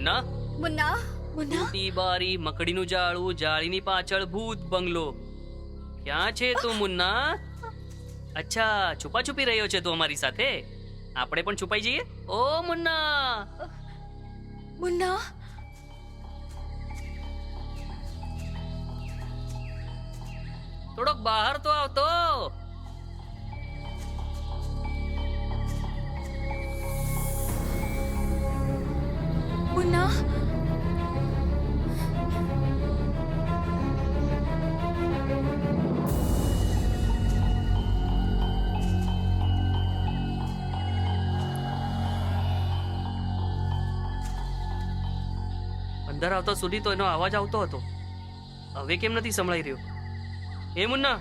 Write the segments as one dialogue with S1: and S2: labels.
S1: Munna
S2: Munna Munna
S1: T બારી મકડીનું જાળું જાળીની પાછળ ભૂત બંગલો ક્યાં છે તું મુન્ના અચ્છા છુપા છુપી રહ્યો છે તું અમારી સાથે આપણે પણ છુપાઈ જઈએ ઓ મુન્ના
S2: મુન્ના
S1: થોડોક બહાર તો આવતો
S2: મુન્ના
S1: અંદર આવતા સુધી તો એનો અવાજ આવતો હતો હવે કેમ નથી સંભળાઈ રહ્યો એ મુન્ના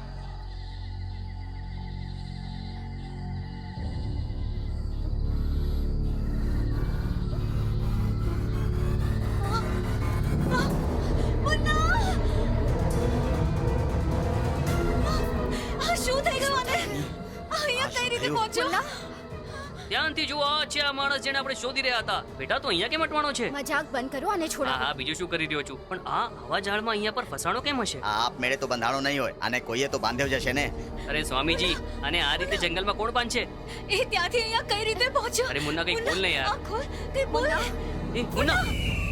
S2: શું થઈ ગયું આને અહીંયા કઈ રીતે પહોંચ્યો
S1: ધ્યાનથી જુઓ આ છે આ માણસ જેને આપણે શોધી રહ્યા હતા બેટા તો અહીંયા કેમ અટવાનો છે
S2: મજાક બંધ કરો અને છોડો
S1: હા બીજું શું કરી રહ્યો છું પણ આ આવા ઝાડમાં અહીંયા પર ફસાણો કેમ હશે
S3: આપ મેળે તો બંધાણો નહીં હોય અને કોઈએ તો બાંધ્યો જશે ને.
S1: અરે સ્વામીજી અને આ રીતે જંગલમાં કોણ બાંધશે
S2: એ ત્યાંથી અહીંયા કઈ રીતે પહોંચ્યો
S1: અરે મુન્ના કઈ બોલ ને યાર
S2: આ ખોલ કઈ બોલ
S1: એ મુન્ના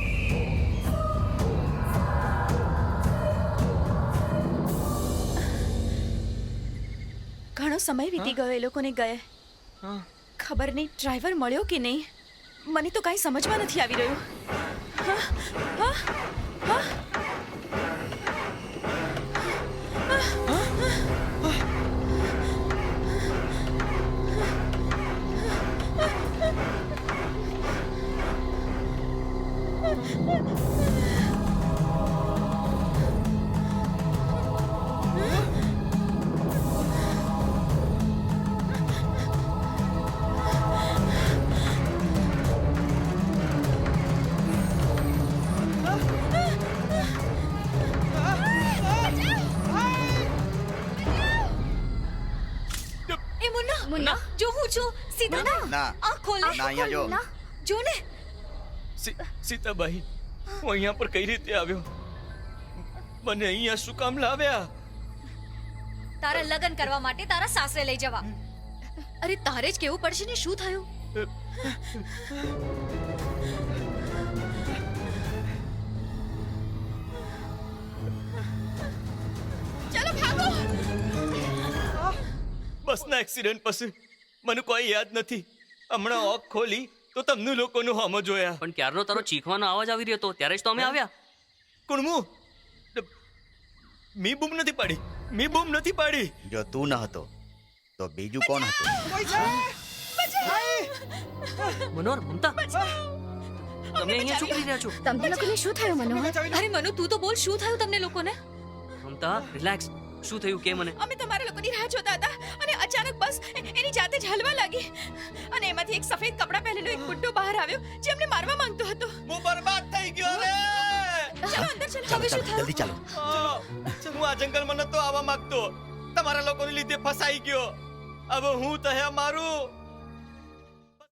S2: ઘણો સમય વીતી ગયો એ લોકોને ગયે ખબર નહીં ડ્રાઈવર મળ્યો કે નહીં મને તો કાંઈ સમજમાં નથી આવી રહ્યું હા, હા, હા. એ મુન્ના મુન્ના જો હું છું સીધા
S3: ના.
S2: આ ખોલ ને.
S3: ના, અહીંયા જો.
S2: જો ને
S4: સીતાબાઈ હું અહીંયા પર કઈ રીતે આવ્યો મને અહીંયા શું કામ લાવ્યા
S5: તારા લગ્ન કરવા માટે તારા સાસરે લઈ જવા.
S2: અરે તારે જ કેવું પડશે ને શું થયું ચલો ભાગો
S4: બસના એક્સિડન્ટ પછી મને કોઈ યાદ નથી હમણાં ઓક ખોલી તો તમને લોકોનું હોમો જોયા
S1: પણ ક્યારનો તારો ચીખવાનો અવાજ આવી રહ્યો હતો ત્યારે જ તો અમે આવ્યા
S4: કુણમુ મી બૂમ નથી પાડી
S3: જો તું ન હતો તો બીજું કોણ હતું?
S1: મનોહર મમતા તમે અહીંયા શું કરી રહ્યા છો
S2: તમને લોકોને શું થયું મનોહર
S5: અરે મનુ તું તો બોલ શું થયું તમને લોકોને?
S1: મમતા રિલેક્સ શું થયું કે મને
S2: અમે તમારા લોકોની રાહ જોતા હતા અને અચાનક બસ એની જાતે જ હલવા લાગી અને એમાંથી એક સફેદ કપડાં પહેરેલો એક બુટ્ટો બહાર આવ્યો જે અમને મારવા માંગતો હતો
S4: હું બરબાદ થઈ ગયો રે
S2: ચલો અંદર ચલો હવે શું થયું
S3: જલ્દી ચાલો.
S4: હું આ જંગલમાં નતો આવવા માંગતો તમારા લોકોને લીધે ફસાઈ ગયો હવે હું તહે મારું